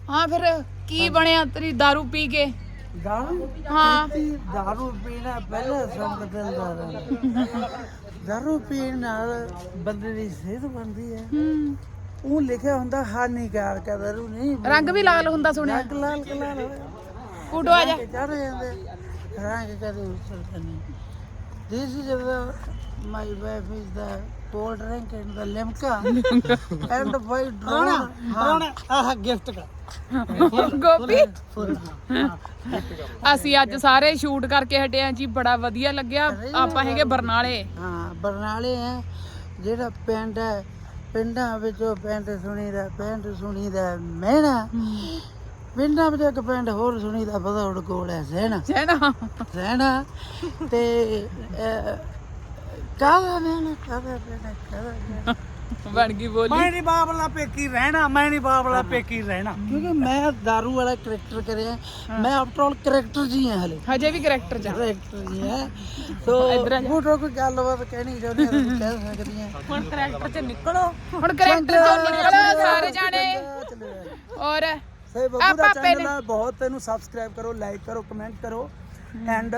ਹਾਂ ਫਿਰ ਕੀ ਬਣਿਆ ਤੇਰੀ दारू ਪੀ ਕੇ? दारू ਹਾਂ दारू पीना पहले सब बदलदा दारू पीण ਨਾਲ ਬੰਦੇ ਦੀ ਸਿਹਤ ਬਣਦੀ ਹੈ। ਉਹ ਲਿਖਿਆ ਹੁੰਦਾ ਹਾਨੀਕਾਰਕ ਹੈ दारू ਨਹੀਂ। ਰੰਗ ਵੀ ਲਾਲ ਹੁੰਦਾ ਸੁਣਿਆ। ਰੰਗ ਲਾਲ ਕਲਾਲ ਹੋਇਆ ਕੁੱਟੋ ਆ ਜਾ। ਚੜ ਜਾਂਦੇ ਰੰਗ ਕਦੇ ਉਤਰਦਾ ਨਹੀਂ। This is my wife is the cold drink and the limca and by drone ਆਹ ਗਿਫਟ ਕਰ ਗੋਪੀ ਅਸੀਂ ਅੱਜ ਸਾਰੇ ਸ਼ੂਟ ਕਰਕੇ ਹਟੇ ਆ ਜੀ। ਬੜਾ ਵਧੀਆ ਲੱਗਿਆ। ਆਪਾਂ ਹੈਗੇ ਬਰਨਾਲੇ। ਹਾਂ ਬਰਨਾਲੇ ਆ। ਜਿਹੜਾ ਪਿੰਡ ਹੈ ਪਿੰਡਾਂ ਵਿੱਚੋਂ ਪਿੰਡ ਸੁਣੀਦਾ ਮਹਿਣਾ। ਪਿੰਡਾਂ ਵਿੱਚ ਇੱਕ ਪਿੰਡ ਹੋਰ ਸੁਣੀਦਾ ਭਦੌੜ ਕੋਲ ਹੈ ਸਹਿਣਾ ਤੇ ਕਾਹਦਾ ਮਹਿਣਾ ਬਣ ਗਈ ਬੋਲੀ। ਮੈਂ ਨਹੀਂ ਬਾਬਲਾ ਪੇਕੀ ਰਹਿਣਾ ਕਿਉਂਕਿ ਮੈਂ दारू ਵਾਲਾ ਕਰੈਕਟਰ ਕਰਿਆ। ਮੈਂ ਆਫਟਰ ਆਲ ਕਰੈਕਟਰ ਜੀ ਹਾਂ ਹਲੇ। ਹਜੇ ਵੀ ਕਰੈਕਟਰ ਚ ਕਰੈਕਟਰ ਜੀ ਹੈ। ਸੋ ਫੋਟੋ ਕੋਈ ਗੱਲਬਾਤ ਕਹਿਣੀ ਚਾਹੁੰਦੀ ਤੁਸੀਂ ਕਹਿ ਸਕਦੀ ਹੈ। ਹੁਣ ਕਰੈਕਟਰ ਚ ਨਿਕਲੋ। ਹੁਣ ਕਰੈਕਟਰ ਚੋਂ ਨਿਕਲੋ ਸਾਰੇ ਜਾਣੇ। ਔਰ ਸੇ ਬੱਬੂ ਦਾ ਚੈਨਲ ਹੈ ਬਹੁਤ। ਤੈਨੂੰ ਸਬਸਕ੍ਰਾਈਬ ਕਰੋ, ਲਾਈਕ ਕਰੋ, ਕਮੈਂਟ ਕਰੋ ਐਂਡ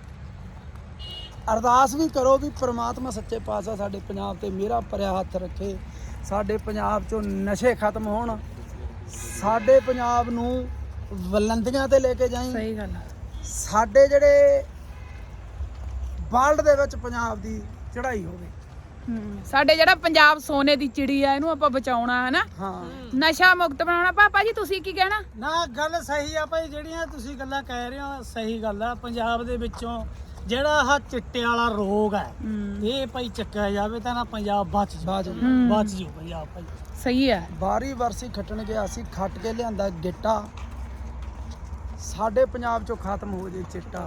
ਅਰਦਾਸ ਵੀ ਕਰੋ ਵੀ ਪ੍ਰਮਾਤਮਾ ਸੱਚੇ ਪਾਤਸ਼ਾਹ ਸਾਡੇ ਪੰਜਾਬ ਤੇ ਮੇਰਾ ਭਰਿਆ ਹੱਥ ਰੱਖੇ। ਸਾਡੇ ਪੰਜਾਬ ਚੋਂ ਨਸ਼ੇ ਖਤਮ ਹੋਣ। ਸਾਡੇ ਪੰਜਾਬ ਨੂੰ ਬੁਲੰਦੀਆਂ ਤੇ ਲੈ ਕੇ ਜਾਈਂ। ਸਹੀ ਗੱਲ ਸਾਡੇ ਜਿਹੜੇ ਵਰਲਡ ਦੇ ਵਿੱਚ ਪੰਜਾਬ ਦੀ ਚੜ੍ਹਾਈ ਹੋਵੇ। ਸਾਡੇ ਜਿਹੜਾ ਪੰਜਾਬ ਸੋਨੇ ਦੀ ਚਿੜੀ ਆ ਇਹਨੂੰ ਆਪਾਂ ਬਚਾਉਣਾ ਹੈ ਨਾ। ਹਾਂ ਨਸ਼ਾ ਮੁਕਤ ਬਣਾਉਣਾ। ਪਾਪਾ ਜੀ ਤੁਸੀਂ ਕੀ ਕਹਿਣਾ? ਨਾ ਗੱਲ ਸਹੀ ਆ ਭਾਈ। ਜਿਹੜੀਆਂ ਤੁਸੀਂ ਗੱਲਾਂ ਕਹਿ ਰਹੇ ਹੋ ਸਹੀ ਗੱਲ ਆ। ਪੰਜਾਬ ਦੇ ਵਿੱਚੋਂ ਜਿਹੜਾ ਆਹ ਚਿੱਟੇ ਵਾਲਾ ਰੋਗ ਹੈ ਇਹ ਭਾਈ ਚੱਕਿਆ ਜਾਵੇ ਤਾਂ ਨਾ ਪੰਜਾਬ ਬਚ ਜੂ ਪੰਜਾਬ ਭਾਈ। ਸਹੀ ਹੈ। ਬਾਰੀ ਵਰਸੀ ਖੱਟਣ ਗਿਆ ਸੀ, ਖੱਟ ਕੇ ਲਿਆਂਦਾ ਗਿੱਟਾ। ਸਾਡੇ ਪੰਜਾਬ ਚੋਂ ਖਤਮ ਹੋ ਜੇ ਚਿੱਟਾ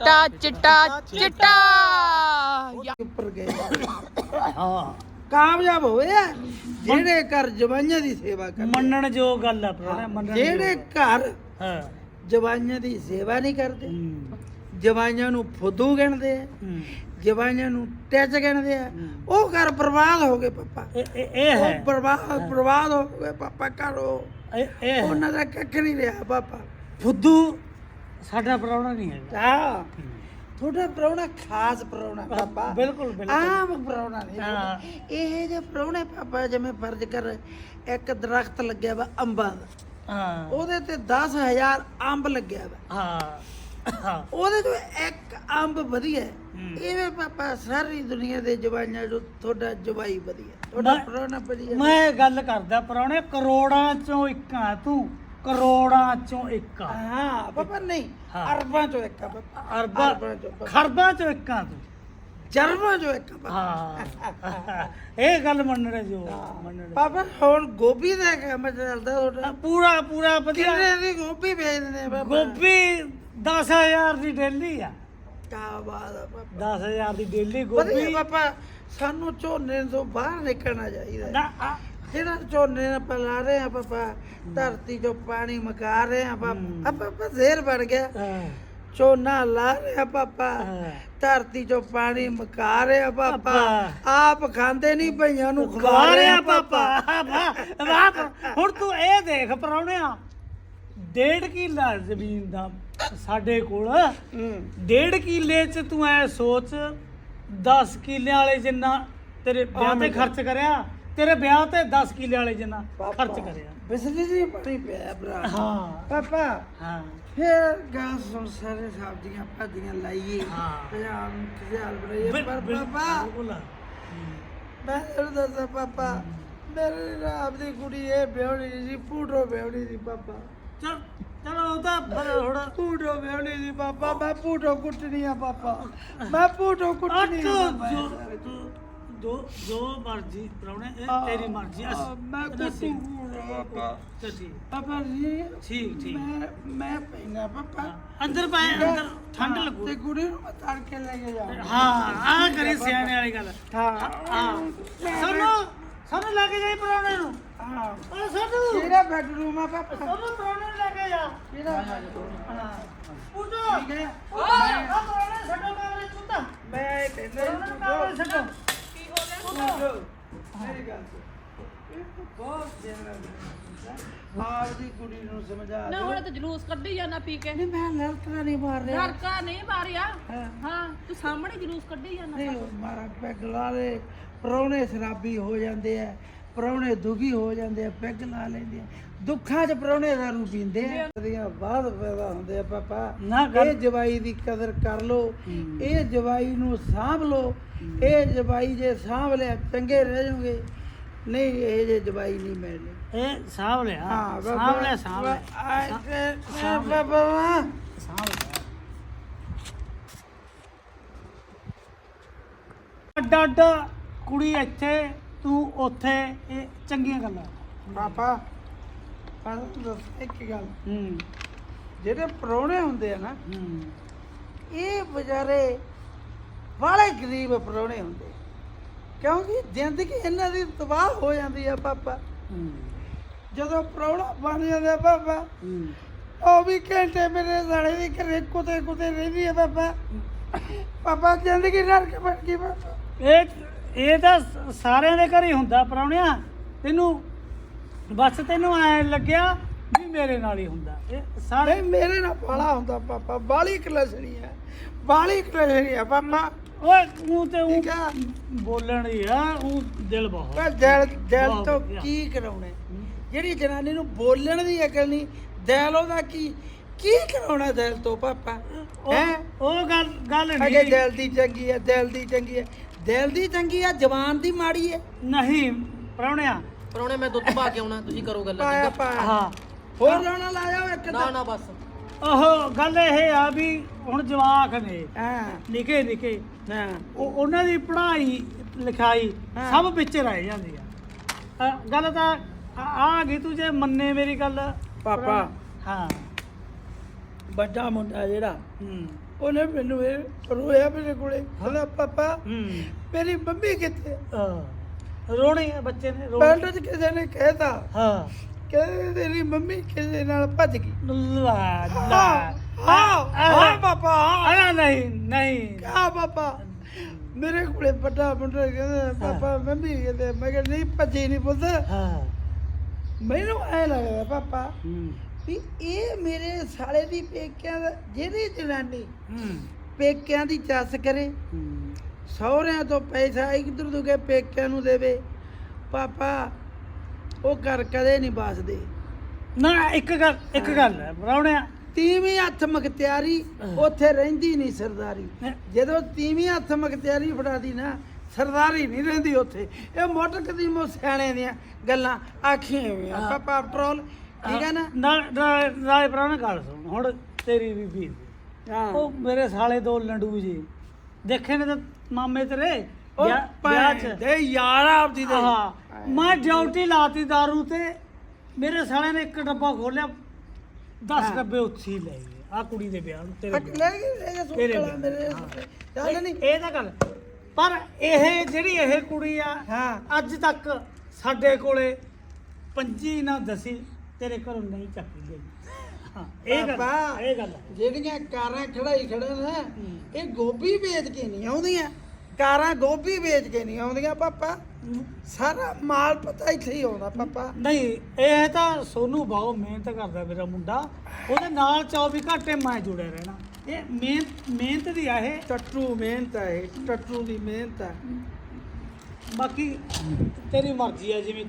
ਉੱਪਰ ਗਏ ਹਾਂ ਕਾਮਯਾਬ ਹੋਏ ਆ ਜਿਹੜੇ ਘਰ ਜਵਾਈਆਂ ਦੀ ਸੇਵਾ ਕਰਦੇ। ਮੰਨਣ ਜੋ ਗੱਲ ਆ ਭਰਾ। ਮੰਨਣ ਜਿਹੜੇ ਘਰ ਹਾਂ ਜਵਾਈਆਂ ਦੀ ਸੇਵਾ ਨਹੀਂ ਕਰਦੇ, ਜਵਾਈਆਂ ਨੂੰ ਫੁੱਦੂ ਗਿਣਦੇ ਆ, ਜਵਾਈਆਂ ਨੂੰ ਟੱਚ ਗਿਣਦੇ ਆ, ਉਹ ਘਰ ਬਰਬਾਦ ਹੋ ਗਏ ਪਾਪਾ। ਇਹ ਹੈ ਬਰਬਾਦ ਹੋ ਗਏ ਪਾਪਾ। ਘਰੋਂ ਇਹ ਉਹਨਾਂ ਦਾ ਕੱਖ ਨਹੀਂ ਰਿਹਾ ਪਾਪਾ। ਫੁੱਦੂ ਸਾਡਾ ਪ੍ਰਾਹੁਣਾ ਨਹੀਂ ਹੈ। ਹਾਂ ਤੁਹਾਡਾ ਪ੍ਰਾਹੁਣਾ ਖਾਸ ਪ੍ਰਾਹੁਣਾ ਪਾਪਾ। ਬਿਲਕੁਲ ਆਮ ਪ੍ਰਾਹੁਣਾ ਨਹੀਂ। ਇਹ ਜੇ ਪ੍ਰਾਹੁਣੇ ਪਾਪਾ ਜਿਵੇਂ ਫਰਜ਼ ਕਰ ਇੱਕ ਦਰਖਤ ਲੱਗਿਆ ਵਾ ਅੰਬਾਂ ਦਾ। ਹਾਂ ਉਹਦੇ ਤੇ 10,000 ਅੰਬ ਲੱਗਿਆ ਵਾ। ਹਾਂ ਉਹਦੇ ਤੋਂ ਇੱਕ ਅੰਬ ਵਧੀਆ ਹੈ। ਇਵੇਂ ਪਾਪਾ ਸਾਰੀ ਦੁਨੀਆ ਦੇ ਜਵਾਈਆਂ ਜੋ ਤੁਹਾਡਾ ਜਵਾਈ ਵਧੀਆ, ਤੁਹਾਡਾ ਪ੍ਰਾਹੁਣਾ ਵਧੀਆ। ਮੈਂ ਗੱਲ ਕਰਦਾ ਪ੍ਰਾਹੁਣੇ ਕਰੋੜਾਂ ਚੋਂ ਇੱਕ ਆ ਤੂੰ। ਕਰੋੜਾਂ ਚੋਂ ਇੱਕ ਆ। ਹਾਂ ਪਾਪਾ ਨਹੀਂ ਅਰਬਾਂ ਚੋਂ ਇੱਕ ਆ ਪਾਪਾ। ਅਰਬਾਂ ਚੋਂ ਖਰਬਾਂ ਚੋਂ ਇੱਕ ਆ ਤੂੰ। ਜਰਬਾਂ ਚੋਂ ਇੱਕ ਆ ਪਾਪਾ। ਹਾਂ ਇਹ ਗੱਲ ਮੰਨਣੇ ਜੋ ਮੰਨਣੇ ਪਾਪਾ ਹੁਣ ਗੋਭੀ ਦਾ ਕੰਮ ਚੱਲਦਾ ਤੁਹਾਡਾ। ਪੂਰਾ ਵਧੀਆ। ਕਿੰਨੇ ਦੀ ਗੋਭੀ ਵੇਚਦੇ ਨੇ ਪਾਪਾ? ਗੋਭੀ 10,000 ਦੀ ਡੇਲੀ ਆ। ਕਿਆ ਬਾਤ ਆ ਪਾਪਾ। 10,000 ਦੀ ਡੇਲੀ ਵਧੀਆ ਗੋਭੀ। ਪਾਪਾ ਸਾਨੂੰ ਝੋਨੇ ਤੋਂ ਬਾਹਰ ਨਿਕਲਣਾ ਚਾਹੀਦਾ। ਨਾ ਜਿਹੜਾ ਝੋਨੇ ਨਾਲ ਪਲਾ ਰਹੇ ਆ ਪਾਪਾ, ਧਰਤੀ ਚੋਂ ਪਾਣੀ ਮਕਾ ਰਹੇ ਆ ਪਾਪਾ। ਪਾਪਾ ਜ਼ੇਰ ਬਣ ਗਿਆ। ਝੋਨਾ ਲਾ ਰਹੇ ਆ ਪਾਪਾ, ਧਰਤੀ ਚੋਂ ਪਾਣੀ ਮਕਾ ਰਹੇ ਆ ਪਾਪਾ। ਆਪ ਖਾਂਦੇ ਨਹੀਂ ਭਈਆਂ ਨੂੰ ਖਵਾ ਰਹੇ ਆ ਪਾਪਾ। ਹੁਣ ਤੂੰ ਇਹ ਦੇਖ ਪ੍ਰਾਹੁਣਿਆ 1.5 ਕਿੱਲਾ ਜ਼ਮੀਨ ਦਾ ਸਾਡੇ ਕੋਲ। 1.5 ਕਿੱਲੇ ਚ ਤੂੰ ਐ ਸੋਚ 10 ਕਿੱਲਿਆਂ ਵਾਲੇ ਜਿੰਨਾ ਤੇਰੇ ਵਿਆਹ ਤੇ ਖਰਚ ਕਰਿਆ। ਤੇਰੇ ਵਿਆਹ ਤੇ 10 ਕਿੱਲੇ ਵਾਲੇ ਜਿੰਨਾ ਖਰਚ ਕਰਿਆ। ਬਿਜਲੀ ਦੀ ਪਾਣੀ ਪਿਆ ਭਰਾ। ਹਾਂ ਪਾਪਾ ਹਾਂ ਫਿਰ ਗਾਂ ਸੁਣ ਸਾਰੇ ਸਬਜ਼ੀਆਂ ਭਾਜੀਆਂ ਲਾਈਏ। ਹਾਂ। ਪੰਜਾਬ ਨੂੰ ਖਿਆਲ ਬਣਾਈਏ। ਪਰ ਪਾਪਾ ਮੈਂ ਤੈਨੂੰ ਦੱਸਾਂ ਪਾਪਾ, ਮੇਰੇ ਰਾਮ ਦੀ ਕੁੜੀ ਇਹ ਵਿਆਹਣੀ ਸੀ, ਪੂਟੋ ਵਿਆਹਣੀ ਸੀ ਪਾਪਾ। ਚਲੋ ਉਹ ਤਾਂ ਹੁਣ ਪੂਟੋ ਵਿਆਹਣੀ ਸੀ ਪਾਪਾ। ਮੈਂ ਪੂਟੋ ਕੁੱਟਣੀ ਆ ਪਾਪਾ। ਮੈਂ ਪੂਟੋ ਕੁੱਟਣੀ ਆ। ਜੋ ਮਰਜੀ ਪ੍ਰਾਹੁਣੇ ਇਹ ਤੇਰੀ ਮਰਜੀ। ਮੈਂ ਕੁੱਟੂ ਪਾਪਾ। ਪਾਪਾ ਜੀ ਠੀਕ ਮੈਂ ਪੈਣਾ ਪਾਪਾ। ਅੰਦਰ ਪਾਏ ਅੰਦਰ ਠੰਡ ਲੱਗੂ ਤੇ ਕੁੜੀ ਨੂੰ ਮੈਂ ਤੜ ਕੇ ਲੈ ਕੇ ਜਾ। ਹਾਂ ਆਹ ਕਰੀ ਸਿਆਣੇ ਵਾਲੀ ਗੱਲ। ਹਾਂ ਸਾਨੂੰ ਲੈ ਕੇ ਜਾਈ ਪ੍ਰਾਹੁਣੇ ਨੂੰ। ਹਾਂ ਸਾਨੂੰ ਕਿਹੜਾ ਬੈਡਰੂਮ ਆ ਪਾਪਾ? ਸਾਨੂੰ ਪ੍ਰਾਹੁਣੇ ਨੂੰ ਲੈ ਕੇ ਜਾ। ਕਿਹੜਾ ਪੁੱਟੋ ਠੀਕ ਹੈ। ਪ੍ਰਾਹੁਣੇ ਛੱਡੋ ਕਮਰੇ ਚੁੱਤਾ। ਮੈਂ ਕਹਿੰਦਾ ਕਮਰੇ ਛੱਡੋ। ਮੇਰੀ ਗੱਲ ਸੁਣ। ਬਹੁਤ ਦੇਣਾ ਆਪਦੀ ਕੁੜੀ ਨੂੰ ਸਮਝਾ ਨਾ ਹੁਣ ਤਾਂ ਜਲੂਸ ਕੱਢੀ ਜਾਂਦਾ ਪੀ ਕੇ ਨਹੀਂ ਮੈਂ ਲੜਕਾ ਨਹੀਂ ਮਾਰ ਰਿਹਾ ਲੜਕਾ ਨਹੀਂ ਮਾਰਿਆ ਹਾਂ ਤੂੰ ਸਾਹਮਣੇ ਜਲੂਸ ਕੱਢੀ ਜਾਂਦਾ ਨਹੀਂ ਮਾਰਾ ਪੈਗ ਲਾ ਲੈ ਪ੍ਰਾਹੁਣੇ ਸ਼ਰਾਬੀ ਹੋ ਜਾਂਦੇ ਆ ਪ੍ਰਾਹੁਣੇ ਦੁਖੀ ਹੋ ਜਾਂਦੇ ਆ ਪੈਗ ਲਾ ਲੈਂਦੇ ਆ ਦੁੱਖਾਂ 'ਚ ਪ੍ਰਾਹੁਣੇ ਦਾਰੂ ਪੀਂਦੇ ਆ ਦੀਆਂ ਬਾਅਦ ਪੈਦਾ ਹੁੰਦੇ ਆ ਪਾਪਾ ਨਾ ਇਹ ਜਵਾਈ ਦੀ ਕਦਰ ਕਰ ਲੋ ਇਹ ਜਵਾਈ ਨੂੰ ਸਾਂਭ ਲੋ ਇਹ ਜਵਾਈ ਜੇ ਸਾਂਭ ਲਿਆ ਚੰਗੇ ਰਹਿ ਜਾਓਗੇ ਨਹੀਂ ਇਹ ਜੇ ਜਵਾਈ ਨਹੀਂ ਮਿਲਣੀ ਇਹ ਸਾਂਭ ਲਿਆ ਹਾਂ ਸਾਂਭ ਲਿਆ ਸਾਂਭ ਲਿਆ ਬਾਬਾ ਸਾਂਭ ਲਿਆ ਅੱਡ ਅੱਡ ਕੁੜੀ ਇੱਥੇ ਤੂੰ ਉੱਥੇ ਇਹ ਚੰਗੀਆਂ ਗੱਲਾਂ ਪਾਪਾ ਪਰ ਦੱਸ ਇੱਕ ਗੱਲ ਹੂੰ ਜਿਹੜੇ ਪ੍ਰਾਹੁਣੇ ਹੁੰਦੇ ਆ ਨਾ ਹੂੰ ਇਹ ਵਿਚਾਰੇ ਵਾਲੇ ਗਰੀਬ ਪ੍ਰਾਹੁਣੇ ਹੁੰਦੇ ਕਿਉਂਕਿ ਜ਼ਿੰਦਗੀ ਇਹਨਾਂ ਦੀ ਤਬਾਹ ਹੋ ਜਾਂਦੀ ਆ ਪਾਪਾ ਹੂੰ ਜਦੋਂ ਪ੍ਰਾਹੁਣਾ ਬਣ ਜਾਂਦਾ ਪਾਪਾ ਹੂੰ ਉਹ ਵੀ ਘੰਟੇ ਮੇਰੇ ਸਾਲੇ ਦੀ ਘਰੇ ਕੁੱਤੇ ਰਹਿੰਦੀ ਆ ਪਾਪਾ ਪਾਪਾ ਜ਼ਿੰਦਗੀ ਨਰਕ ਬਣ ਗਈ ਪਾਪਾ ਇਹ ਤਾਂ ਸਾਰਿਆਂ ਦੇ ਘਰ ਹੀ ਹੁੰਦਾ ਪ੍ਰਾਹੁਣਿਆ ਤੈਨੂੰ ਬਸ ਤੈਨੂੰ ਐ ਲੱਗਿਆ ਵੀ ਮੇਰੇ ਨਾਲ ਹੀ ਹੁੰਦਾ ਇਹ ਸਾਰੇ ਨਹੀਂ ਮੇਰੇ ਨਾਲ ਬਾਲਾ ਹੁੰਦਾ ਪਾਪਾ ਬਾਲੀ ਕਲਸਣੀ ਆ ਬਾਲੀ ਕਲਸਣੀ ਆ ਪਾਪਾ ਓਏ ਤੂੰ ਤੇ ਠੀਕ ਆ ਬੋਲਣ ਹੀ ਆ ਉਹ ਦਿਲ ਬਹੁਤ ਪਰ ਦਿਲ ਬਹੁਤ ਤੋਂ ਵਧੀਆ। ਕੀ ਕਰਾਉਣਾ ਜਿਹੜੀ ਜਨਾਨੀ ਨੂੰ ਬੋਲਣ ਦੀ ਅਕਲ ਨਹੀਂ ਦਿਲ ਉਹਦਾ ਕੀ ਕਰਾਉਣਾ ਦਿਲ ਤੋਂ ਪਾਪਾ ਹੈ ਉਹ ਗੱਲ ਅਗੇ ਨਹੀਂ ਦਿਲ ਦੀ ਚੰਗੀ ਹੈ ਦਿਲ ਦੀ ਚੰਗੀ ਹੈ ਦਿਲ ਦੀ ਚੰਗੀ ਆ ਜ਼ਬਾਨ ਦੀ ਮਾੜੀ ਹੈ ਨਹੀਂ ਪ੍ਰਾਹੁਣਿਆ ਪਰੋਣੇ ਮੈਂ ਦੁੱਧ ਪਾ ਕੇ ਆਉਣਾ ਤੁਸੀਂ ਕਰੋ ਗੱਲ ਪਾਇਆ ਪਾਇਆ ਹਾਂ ਹੋਰ ਲਾਉਣਾ ਲਾਇਆ ਇੱਕ ਨਾ ਨਾ ਬਸ ਉਹ ਗੱਲ ਇਹ ਆ ਵੀ ਹੁਣ ਜਵਾਕ ਨੇ ਹਾਂ ਨਿੱਕੇ ਨਿੱਕੇ ਹਾਂ ਉਹਨਾਂ ਦੀ ਪੜ੍ਹਾਈ ਲਿਖਾਈ ਹਾਂ। ਸਭ ਵਿੱਚ ਰਹਿ ਜਾਂਦੀ ਆ ਗੱਲ ਤਾਂ ਆ ਗਈ ਤੂੰ ਜੇ ਮੰਨੇ ਮੇਰੀ ਗੱਲ ਪਾਪਾ ਹਾਂ ਵੱਡਾ ਮੁੰਡਾ ਜਿਹੜਾ ਹੂੰ ਉਹਨੇ ਮੈਨੂੰ ਇਹ ਰੋਇਆ ਮੇਰੇ ਕੋਲੇ ਕਹਿੰਦਾ ਪਾਪਾ ਹੂੰ ਮੇਰੀ ਮੰਮੀ ਕਿੱਥੇ ਰੋਣੇ ਆ ਬੱਚੇ ਨੇ ਪਿੰਡ 'ਚ ਕਿਸੇ ਨੇ ਕਹਿਤਾ ਹਾਂ ਕਹਿੰਦੇ ਤੇਰੀ ਮੰਮੀ ਕਿਸੇ ਨਾਲ ਭੱਜ ਗਈ ਲਾ ਹਾਂ ਪਾਪਾ ਆ ਨਹੀਂ ਨਹੀਂ ਕਾ ਪਾਪਾ ਮੇਰੇ ਕੋਲੇ ਵੱਡਾ ਮੁੰਡਾ ਕਹਿੰਦਾ ਪਾਪਾ ਮੰਮੀ ਕਹਿੰਦੇ ਮੈਂ ਕਿਹਾ ਨਹੀਂ ਭੱਜੀ ਨਹੀਂ ਪੁੱਤ ਹਾਂ ਮੈਨੂੰ ਐ ਲੱਗਦਾ ਪਾਪਾ ਹੂੰ ਵੀ ਇਹ ਮੇਰੇ ਸਾਲੇ ਦੀ ਪੇਕਿਆਂ ਦਾ ਜਿਹੜੀ ਜਨਾਨੀ ਹੂੰ ਪੇਕਿਆਂ ਦੀ ਚੱਸ ਕਰੇ ਹੂੰ ਸਹੁਰਿਆਂ ਤੋਂ ਪੈਸਾ ਇਧਰ ਤੋਂ ਕੇ ਪੇਕਿਆਂ ਨੂੰ ਦੇਵੇ ਪਾਪਾ ਉਹ ਘਰ ਕਦੇ ਨਹੀਂ ਬਸਦੇ ਨਾ ਇੱਕ ਗੱਲ ਹੈ ਪ੍ਰਾਹੁਣਿਆ ਤੀਵੀਂ ਹੱਥ ਮਖਤਿਆਰੀ ਉੱਥੇ ਰਹਿੰਦੀ ਨਹੀਂ ਸਰਦਾਰੀ ਜਦੋਂ ਤੀਵੀਂ ਹੱਥ ਮਖਤਿਆਰੀ ਫੜਾਦੀ ਨਾ ਸਰਦਾਰੀ ਨਹੀਂ ਰਹਿੰਦੀ ਉੱਥੇ ਇਹ ਮੁੱਢ ਕਦੀਮੋਂ ਸਿਆਣੇ ਦੀਆਂ ਗੱਲਾਂ ਆਖੀਆਂ ਹੋਈਆਂ ਪਾਪਾ ਪੈਟਰੋਲ ਠੀਕ ਹੈ ਨਾ ਨਾਲੇ ਪ੍ਰਾਹੁਣਾ ਗੱਲ ਸੁਣ ਹੁਣ ਤੇਰੀ ਬੀਬੀ ਹਾਂ ਉਹ ਮੇਰੇ ਸਾਲੇ ਦੋ ਲੰਡੂ ਜੀ ਦੇਖੇ ਨੇ ਤਾਂ ਮਾਮੇ ਤੇਰੇ ਉਹ ਵਿਆਹ ਚ ਦੇ ਯਾਰ ਆਪਦੀ ਦੇ ਹਾਂ ਮੈਂ ਡਿਊਟੀ ਲਾਤੀ ਦਾਰੂ ਤੇ ਮੇਰੇ ਸਾਲੇ ਨੇ ਇੱਕ ਡੱਬਾ ਖੋਲਿਆ 10 ਡੱਬੇ ਉੱਥੇ ਹੀ ਲੈ ਗਏ ਆ ਕੁੜੀ ਦੇ ਵਿਆਹ ਨੂੰ ਤੇਰੇ ਵਿਆਹ ਲੈ ਗਏ ਤੇਰੇ ਸੁੱਕਲਾ ਮੇਰੇ ਚੱਲ ਨਹੀਂ ਇਹ ਤਾਂ ਗੱਲ ਪਰ ਇਹ ਜਿਹੜੀ ਇਹ ਕੁੜੀ ਆ ਹਾਂ ਅੱਜ ਤੱਕ ਸਾਡੇ ਕੋਲੇ ਪੰਜੀ ਨਾ ਦਸੀ ਤੇਰੇ ਘਰੋਂ ਨਹੀਂ ਚੱਕੀ ਗਈ ਹਾਂ ਪਾਪਾ, ਇਹ ਗੱਲ ਜਿਹੜੀਆਂ ਕਾਰਾਂ ਖੜਾਈ ਖੜੇ ਨੇ ਇਹ ਗੋਭੀ ਵੇਚ ਕੇ ਨਹੀਂ ਆਉਂਦੀਆਂ ਕਾਰਾਂ ਗੋਭੀ ਵੇਚ ਕੇ ਨਹੀਂ ਆਉਂਦੀਆਂ ਪਾਪਾ ਸਾਰਾ ਮਾਲ ਪਤਾ ਇੱਥੇ ਹੀ ਆਉਂਦਾ ਪਾਪਾ ਨਹੀਂ ਇਹ ਤਾਂ ਸੋਨੂੰ ਬਹੁਤ ਮਿਹਨਤ ਕਰਦਾ ਮੇਰਾ ਮੁੰਡਾ ਉਹਦੇ ਨਾਲ 24 ਘੰਟੇ ਮੈਂ ਜੁੜਿਆ ਰਹਿਣਾ ਇਹ ਮਿਹਨਤ ਦੀ ਆ ਇਹ ਟੱਟੂ ਮਿਹਨਤ ਹੈ ਇਹ, ਟੱਟੂ ਦੀ ਮਿਹਨਤ ਹੈ ਬਾਕੀ ਤੇਰੀ ਮਰਜ਼ੀ ਆ ਜਿਵੇਂ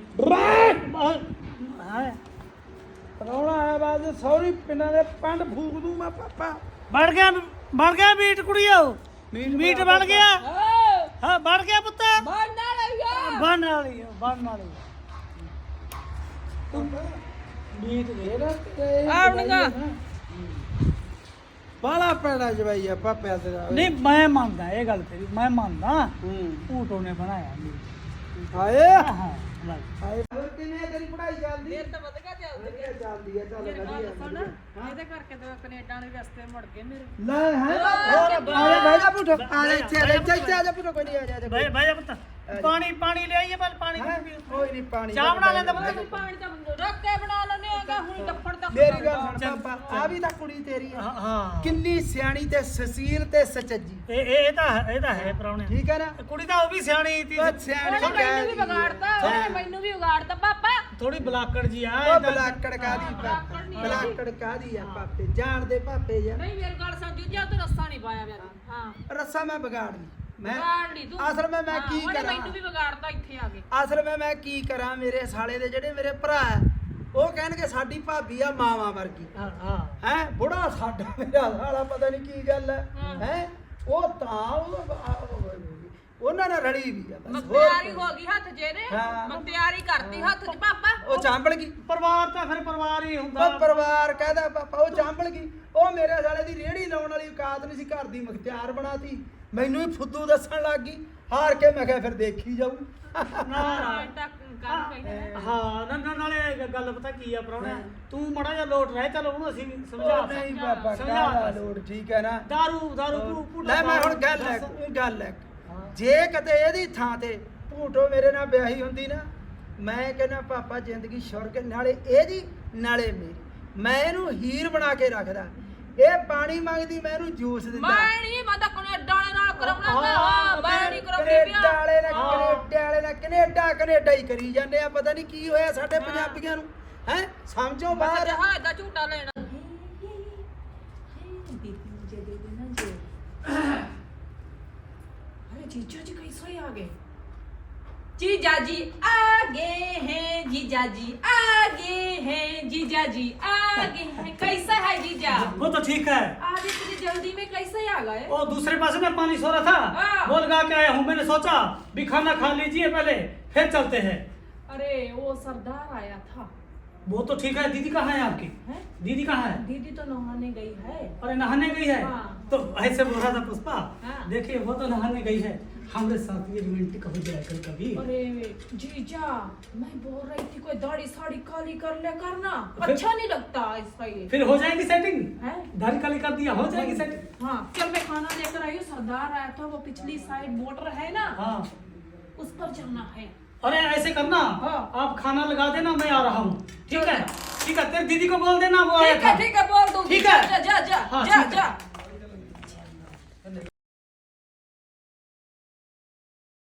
ਹਾਂ ਪਰੌਣਾ ਆਇਆ ਬਾਅਦ ਸੌਰੀ ਪਿੰਡਾਂ ਦੇ ਪੰਡ ਫੂਕ ਦੂੰ ਮੈਂ ਪਾਪਾ ਬਣ ਗਿਆ ਮੀਟ ਕੁੜੀਓ ਮੀਟ ਬਣ ਗਿਆ ਹਾਂ ਬਣ ਗਿਆ ਪੁੱਤ ਬਣ ਵਾਲੀ ਤੂੰ ਮੀਟ ਦੇ ਆਪਣੀਆਂ ਬਾਲਾ ਪੈਣਾ ਜਵਾਈ ਆ ਪਾਪਿਆ ਤੇਰਾ ਨਹੀਂ ਮੈਂ ਮੰਨਦਾ ਇਹ ਗੱਲ ਤੇਰੀ ਮੈਂ ਮੰਨਦਾ ਹੂੰ ਊਟੋ ਨੇ ਬਣਾਇਆ ਮੀਟ ਹਾਏ ਹਾਂ ਲੈ। ਹਾਏ ਕਿਵੇਂ ਤੇਰੀ ਪੜਾਈ ਚੱਲਦੀ ਫੇਰ ਤਾਂ ਵਧਗਾ ਚੱਲਦੀ ਵਧੀਆ ਚੱਲਦੀ ਹੈ ਚੱਲ ਮੇਰੀ ਗੱਲ ਵਧੀਆ ਸੁਣ ਇਹਦੇ ਕਰਕੇ ਤਾਂ ਕੈਨੇਡਾ ਵਾਲੇ ਰਸਤੇ ਮੁੜ ਗਏ ਮੇਰੇ ਲੈ ਹੈ ਆ ਜਾ ਜਾ ਪੁੱਤ ਆ ਜਾ ਇੱਥੇ ਆ ਜਾ ਪੁੱਤ ਕੋਈ ਨਹੀਂ ਆ ਜਾ ਬਹਿ ਜਾ ਪੁੱਤ ਪਾਣੀ ਲੈ ਆਈਏ ਪਰ ਪਾਣੀ ਕੋਈ ਨਹੀਂ ਪਾਣੀ ਚਾਹ ਬਣਾ ਲੈਂਦਾ ਪੁੱਤ ਪਾਣੀ ਤਾਂ ਰੱਖ ਕੇ ਬਣਾ ਲੈਣੇ ਆਗਾ ਹੁਣ ਡੱਫੜ ਦਾ ਮੇਰੀ ਗੱਲ ਸੁਣ ਪਾਪਾ ਆ ਵੀ ਤਾਂ ਕੁੜੀ ਤੇਰੀ ਹੈ ਹਾਂ ਕਿੰਨੀ ਸਿਆਣੀ ਤੇ ਸਸੀਲ ਤੇ ਸੱਚੀ ਇਹ ਤਾਂ ਹੈ ਪ੍ਰਾਹੁਣੇ ਠੀਕ ਹੈ ਨਾ ਕੁੜੀ ਤਾਂ ਉਹ ਵੀ ਸਿਆਣੀ ਤੀ ਉਹ ਸਿਆਣੀ ਉਹਨੇ ਮੈਨੂੰ ਵੀ ਵਿਗਾੜਤਾ ਉਹਨੇ ਮੈਨੂੰ ਵੀ ਵਿਗਾੜਤਾ ਪਾਪਾ ਥੋੜੀ ਬਲਾਕੜ ਜੀ ਆ ਉਹ ਬਲਾਕੜ ਕਾਦੀ ਪਾਪਾ ਬਲਾਕੜ ਕਾਦੀ ਆ ਪਾਪੇ ਜਾਣਦੇ ਪਾਪੇ ਯਾਰ ਨਹੀਂ ਮੇਰੀ ਗੱਲ ਸਮਝੋ ਜਾਂ ਤੂੰ ਰੱਸਾ ਨਹੀਂ ਪਾਇਆ ਮੇਰਾ ਹਾਂ ਰੱਸਾ ਮੈਂ ਵਿਗਾੜ ਲਈ ਮੈਂ ਵਿਗਾੜ ਲਈ ਤੂੰ ਅਸਲ ਵਿੱਚ ਮੈਂ ਕੀ ਉਹਨੇ ਕਰਾਂ ਮੈਨੂੰ ਵੀ ਵਿਗਾੜਤਾ ਇੱਥੇ ਆ ਕੇ ਅਸਲ ਵਿੱਚ ਮੈਂ ਕੀ ਕਰਾਂ ਮੇਰੇ ਸਾਲੇ ਦੇ ਜਿਹੜੇ ਮੇਰੇ ਭਰਾ ਹੈ, ਉਹ ਕਹਿਣਗੇ ਸਾਡੀ ਭਾਬੀ ਆ ਮਾਵਾ ਵਰਗੀ ਹਾਂ ਹੈ ਬੁੜਾ ਸਾਡਾ ਮੇਰਾ ਸਾਲਾ ਪਤਾ ਨਹੀਂ ਕੀ ਗੱਲ ਹੈ ਹੈ ਉਹ ਤਾਂ ਉਹਨਾਂ ਨਾਲ ਰਲੀ ਵੀ ਆ ਬਸ ਹੋਰ ਮਖਤਿਆਰੀ ਹੋ ਗਈ ਹੱਥ ਜੇ ਨੇ ਹਾਂ। ਮਖਤਿਆਰੀ ਕਰਤੀ ਹੱਥ 'ਚ ਪਾਪਾ ਉਹ ਚਾਂਬਲ ਗਈ ਪਰਿਵਾਰ ਤਾਂ ਫਿਰ ਪਰਿਵਾਰ ਹੀ ਹੁੰਦਾ ਉਹ ਪਰਿਵਾਰ ਕਹਦਾ ਪਾਪਾ ਉਹ ਚਾਂਬਲ ਗਈ ਉਹ ਮੇਰੇ ਸਾਲੇ ਦੀ ਰੇੜੀ ਲਾਉਣ ਵਾਲੀ ਔਕਾਤ ਨਹੀਂ ਸੀ ਘਰ ਦੀ ਮੁਖਤਿਆਰ ਬਣਾਤੀ ਮੈਨੂੰ ਹੀ ਫੁੱਦੂ ਦੱਸਣ ਲੱਗ ਗਈ ਹਾਰ ਕੇ ਮੈਂ ਕਿਹਾ ਫਿਰ ਦੇਖੀ ਜਾਊ ਨਾ ਤੱਕ ਕੰਮ ਕਹਿੰਦੇ ਹਾਂ ਨਾਲੇ ਗੱਲ ਪਤਾ ਕੀ ਆ ਪ੍ਰਾਹੁਣਾ ਤੂੰ ਮੜਾ ਜਾ ਲੋਟ ਰਹਿ ਚਲ ਉਹਨੂੰ ਅਸੀਂ ਸਮਝਾ ਉਹ ਨਹੀਂ ਬਾਬਾ ਸਮਝਾ ਕਾਹਦਾ ਲੋੜ ਠੀਕ ਹੈ ਨਾ ਦਾਰੂ ਲੈ ਮੈਂ ਹੁਣ ਗੱਲ ਹੈ ਜੇ ਕਿਤੇ ਇਹਦੀ ਥਾਂ ਤੇ ਭੂਟੋ ਮੇਰੇ ਨਾਲ ਵਿਆਹੀ ਹੁੰਦੀ ਨਾ ਮੈਂ ਕਹਿੰਦਾ ਪਾਪਾ ਜ਼ਿੰਦਗੀ ਸ਼ੁਰਗ ਨਾਲੇ ਇਹਦੀ ਨਾਲੇ ਮੇਰੀ ਮੈਂ ਇਹਨੂੰ ਹੀਰ ਬਣਾ ਕੇ ਰੱਖਦਾ ਇਹ ਪਾਣੀ ਮੰਗਦੀ ਮੈਂ ਇਹਨੂੰ ਜੂਸ ਦਿੰਦਾ ਮੈਂ ਨਹੀਂ ਮੈਂ ਤਾਂ ਕੈਨੇਡਾ ਵਾਲੇ ਨਾਲ ਕਰਾਉਣਾ ਹਾਂ ਮੈਂ ਨਹੀਂ ਕਰਾਉਂਦੀ ਕੈਨੇਡਾ ਵਾਲੇ ਨਾਲ ਕੈਨੇਡਾ ਹੀ ਕਰੀ ਜਾਂਦੇ ਆ ਪਤਾ ਨਹੀਂ ਕੀ ਹੋਇਆ ਸਾਡੇ ਪੰਜਾਬੀਆਂ ਨੂੰ ਹੈ ਸਮਝੋ ਮੈਂ ਬਾਹਰ ਜਹਾਜ਼ ਦਾ ਝੂਟਾ ਲੈਣਾ अरे जीजा जी कैसे आ गए जीजा जी आ गए हैं जीजा जी आ गए हैं जीजा जी आ गए हैं कैसा है जीजा वो तो ठीक है आज इतनी जल्दी में कैसे आ गए वो दूसरे पास में पानी सो रहा था हाँ। बोल गा के आया हूँ मैंने सोचा भी खाना खा लीजिए पहले फिर चलते हैं अरे वो सरदार आया था वो तो ठीक है दीदी कहाँ है आपकी हैं? दीदी कहाँ है दीदी तो नहाने गई है अरे नहाने गई है हाँ। तो ऐसे बोल रहा था पुष्पा हाँ। देखिए वो तो नहाने गई है हमारे साथ ये रोमांटिक हो जाए कभी अरे जीजा मैं बोल रही थी कोई दाढ़ी साड़ी काली कर ले करना फिर- अच्छा नहीं लगता ऐसा ये फिर हो जाएगी सेटिंग हैं? दाढ़ी काली कर दिया हो जाएगी सेटिंग हाँ चल मैं खाना लेकर आई हूँ सरदार आया था वो पिछली साइड मोटर है ना हाँ उस पर जाना है अरे ऐसे करना हाँ। आप खाना लगा देना मैं आ रहा हूँ ठीक है तेरे दीदी को बोल देना वो आया ठीक था है बोल दूंगी ठीक है। जा जा जा हाँ, जा ठीक है। जा